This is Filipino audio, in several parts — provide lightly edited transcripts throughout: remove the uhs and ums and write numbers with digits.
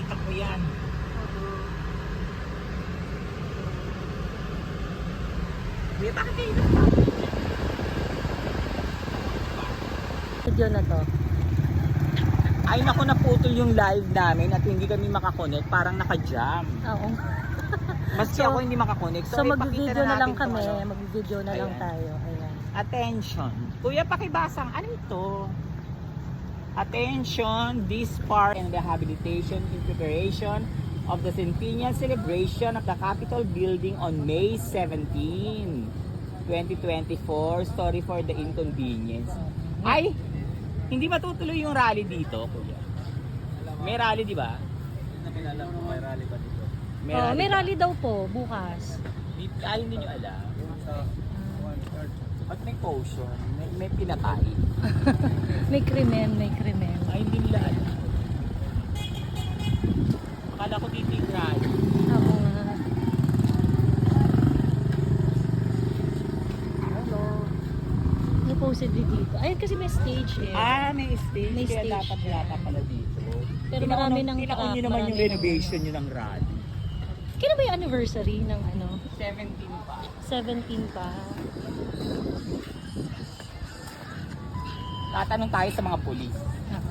nakita ko yan. Kuya, bakit kayo Video na to. Ay naku, naputol yung live namin at hindi kami makakonect, parang naka-jam. Oo. Maski So- ako hindi makakonect. So ipakita mag-video na lang natin kami. tong ano. Mag-video na lang Ayan. tayo. Ayan. Attention. Kuya, pakibasang ano ito? Attention, this part and rehabilitation in preparation of the centennial celebration of the Capitol building on May 17, 2024. Sorry for the inconvenience. Ay, hindi matutuloy yung rally dito, kuya. May rally, di ba? May rally ba dito? May ba? rally daw po bukas. Hindi nyo alam. Sa At may caution, may pinatay. May krimen, may krimen. Ay, hindi nila alam. Akala ko dito yung rally. Oo nga. Hello. Supposedly dito. Ayun kasi may stage eh. May stage. May Kaya stage dapat yan. yata pala dito. Pero marami ng Tinaon truck, nyo naman marami yung ng renovation nyo ng rally. Kailan ba yung anniversary ng ano? 17 pa. 17 pa. Tatanong tayo sa mga pulis. Oo.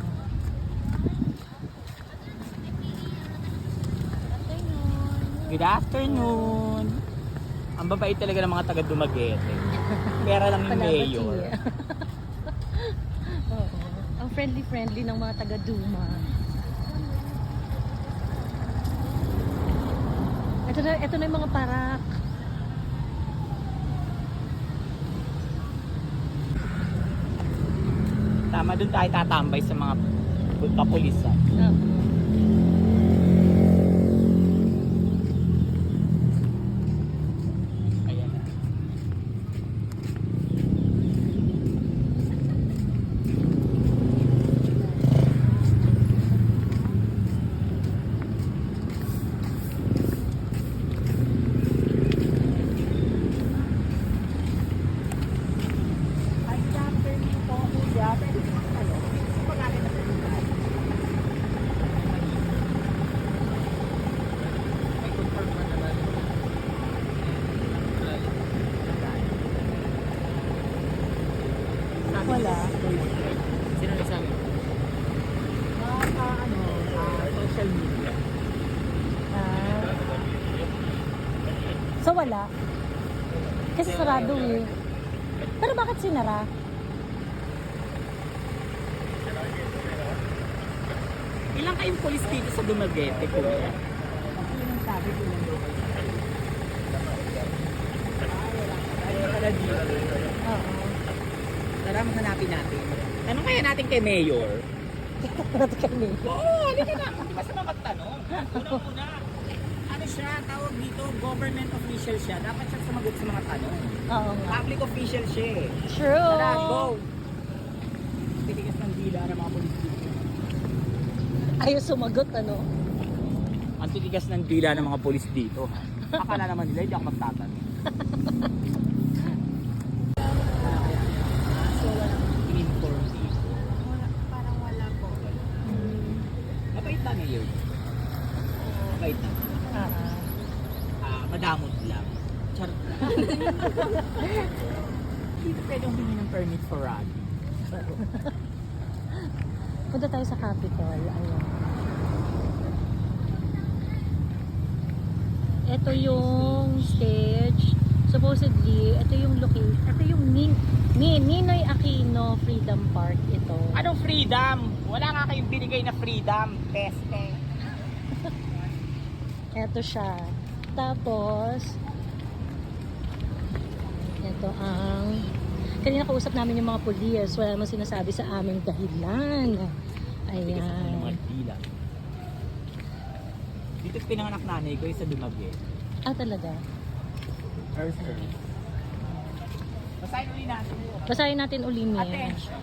Good afternoon. Ang babait talaga ng mga taga Dumaguete. Pera lang yung Palabati. mayor. Oo. Ang friendly-friendly ng mga taga-Duma. Ito na yung mga parak. Tama, dun tayo tatambay sa mga kapulisan. Oo. Ayan na. Ay, chapter nito, kuya. Pwede mo ano? Pagkain na pwede na. may confirm pa naman. Wala. Sino nagsabi? Social media. Ah. So wala. Kasi sarado eh. Pero bakit sinara? Ilang kayong polis dito sa Dumaguete, kuya? Kasi yun ang sabi ko lang daw kayo. Ay, pala dito. Oo. Tara, hanapin natin. Tanong kaya natin kay Mayor. Natin kami. Oo, hindi ka na. Hindi ba sa magtanong? Una-una, ano siya, tawag dito, government official siya. Dapat siya sumagot sa mga tanong. Oo nga. Public official siya eh. True. Tara, go! Titigas ng dila ng mga polis dito. Ayaw sumagot ano? Ang titigas ng dila ng mga polis dito. Akala naman nila, hindi ako magtatanong. So, walang in-inform dito. Parang wala po. Mabait ba Mayor? Mabait na. Madamot lang. Charot lang. Dito pwede humingi ng permit for rally. Punta tayo sa Capitol. Ayun. Ito yung stage. Supposedly, ito yung location. Ito yung Ninoy Aquino Freedom Park ito. Anong freedom? Wala nga kayong binigay na freedom. Peste. Ito siya. Tapos, ito ang kanina kausap namin yung mga pulis. Wala namang sinasabi sa aming dahilan. Tigas ako ng mga Ayan. dila. Dito pinanganak nanay ko yung sa Dumaguete. Ah, talaga? Earth. Basahin ulit natin. Basahin natin uli niya. Attention.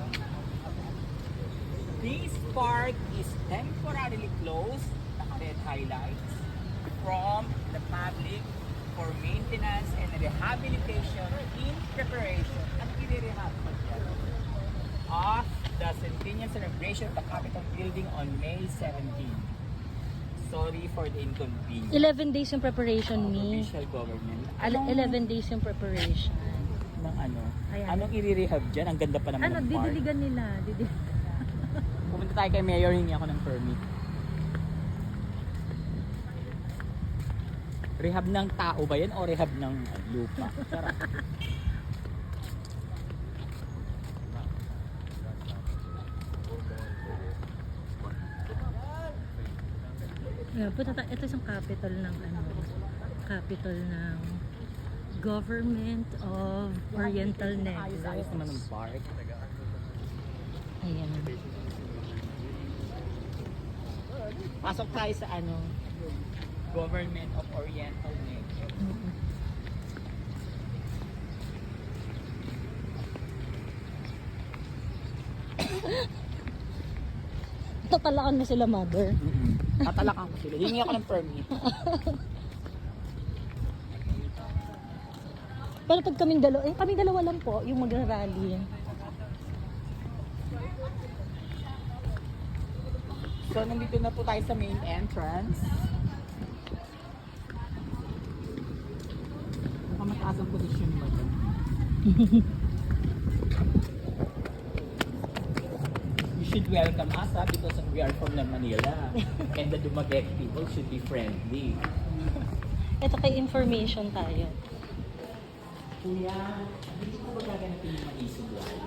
This park is temporarily closed, naka-red highlights, from the public for maintenance and rehabilitation in preparation. Ano i-rehab pa dyan? Of the centennial celebration of the Capitol building on May 17. Sorry for the inconvenience. 11 days yung preparation ni. Official government. 11 days yung preparation. Ng ano? Ayan. Anong i-rehab dyan? Ang ganda pa naman Ano, ng park. didiligan nila. Pumunta tayo kay Mayor, hingi ako ng permit. Rehab ng tao ba yan o rehab ng lupa? Sarap. Yeah, ito isang capital ng capital ng Government of Oriental Ayos Negros. naman ng park. Ayan. Pasok tayo sa Government of Oriental Negros. Mm-mm. Tatalakan mo sila, mother. Tatalakan ko sila. Hingi ako ng permit. Pero pag kaming dalawa lang po, yung magra-rally. So, nandito na po tayo sa main entrance. Mataas ang posisyon mo dyan. You should welcome us because we are from Manila. And the Dumaguete people should be friendly. Ito kay information tayo. Kuya, hindi ko ba gaganapin yung mag-isog rally?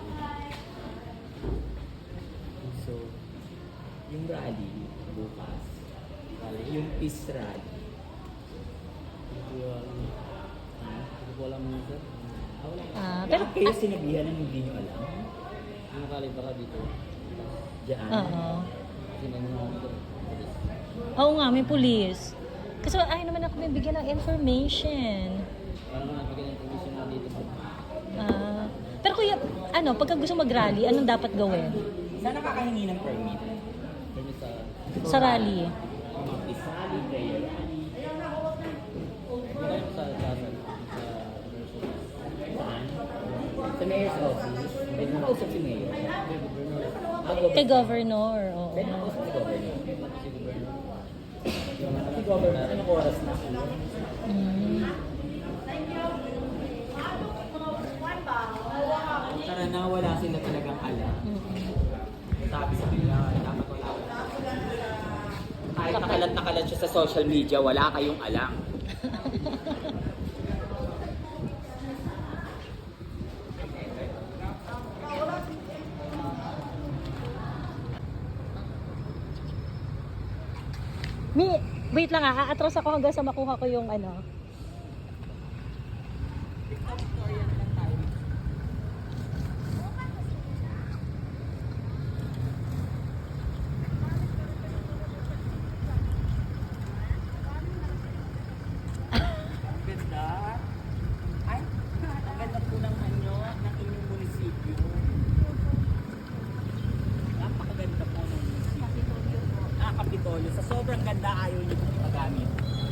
So, yung rally bukas, yung peace rally. Hindi ko alam mo sir. Pero kayo sinabihan ng hindi nyo alam? Yung kaliba ka dito. Diyan. Oo. Kasi may mga dito. Oo nga, may police. Kasi ayaw naman ako may bigyan ng information. Parang nagbigay ng permission na dito. Pero kuya, pagka gusto mag-rally, anong dapat gawin? Saan nakakahingi ng permit? Permit sa... Sa rally? Peace rally, prayer rally. Hindi sa Saan? Sa mayor's office. Pwede mo kausap si mayor. Kay governor, oo. Pwede mo kausap si governor. Si governor, anong oras na? Mm. Tara na, wala sila talagang alam. Sabi sa kanila, dapat wala. Kahit nakalat siya sa social media, wala kayong alam. Wait lang aatras ako hanggang sa makuha ko yung Ganda. Ay, ang ganda po ng inyong munisipyo. Napakaganda po ng munisipyo. Kapitolyo. Sa sobrang ganda, ayaw niyo po magamit.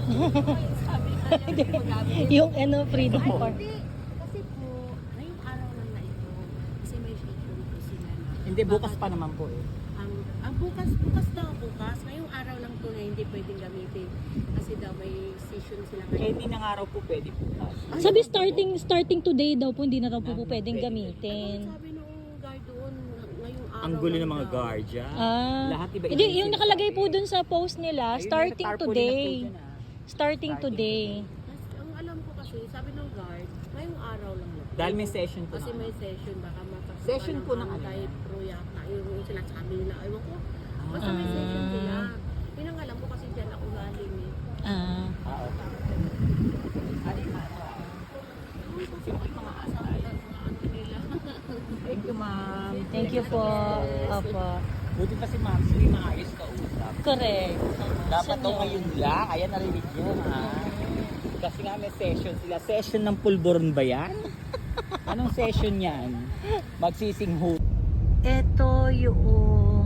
yung Freedom Park. Hindi. Kasi po, ngayong araw lang na ito. Kasi may schedule po sila na. Hindi, bukas pa naman po eh. Ang bukas daw, bukas. Ngayong araw lang to na hindi pwedeng gamitin. Kasi daw may session sila Eh, ngayon. hindi ng araw po pwede bukas. Sabi starting today daw po, hindi na daw po pwedeng gamitin. Sabi nung guard doon, ngayong araw Ang gulo lang ng mga daw. guardia. Lahat iba Hindi, yung nakalagay po dun sa post nila, Ayun, starting nasa tarpaulin today. na po dyan, Starting today. Ang alam ko kasi, sabi ng guard, ngayong araw lang yun. Dahil may session po Kasi na. may session, baka mapasok Session po ng ano? anti-pro yata. Yung sila sabi nila, ewan ko. Basta may session sila. Yun ang alam ko kasi dyan ako galing eh. Ah. Okay. Ano yung Sino yung mga asal? Thank you, ma'am. Thank you po. Opo. Buti pa si ma'am, sila yung maayos kausap. Correct. Dapat Saan daw yun? ngayon lang. Ayan, narinig nyo, ha? Kasi nga may session sila. Session ng pulburon ba yan? Anong session yan? Magsising ho. Ito yung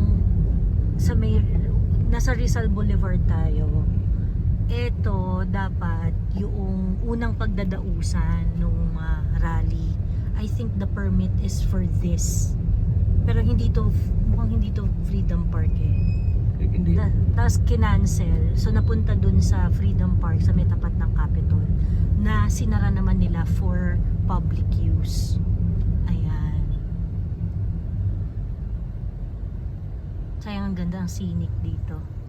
nasa Rizal Boulevard tayo. Ito dapat yung unang pagdadausan nung rally. I think the permit is for this. Pero mukhang hindi to Freedom Park eh. Hindi. Tapos kinancel. So napunta dun sa Freedom Park sa may tapat ng Capitol na sinara naman nila for public use. Ayan. Sayang ang ganda ang scenic dito.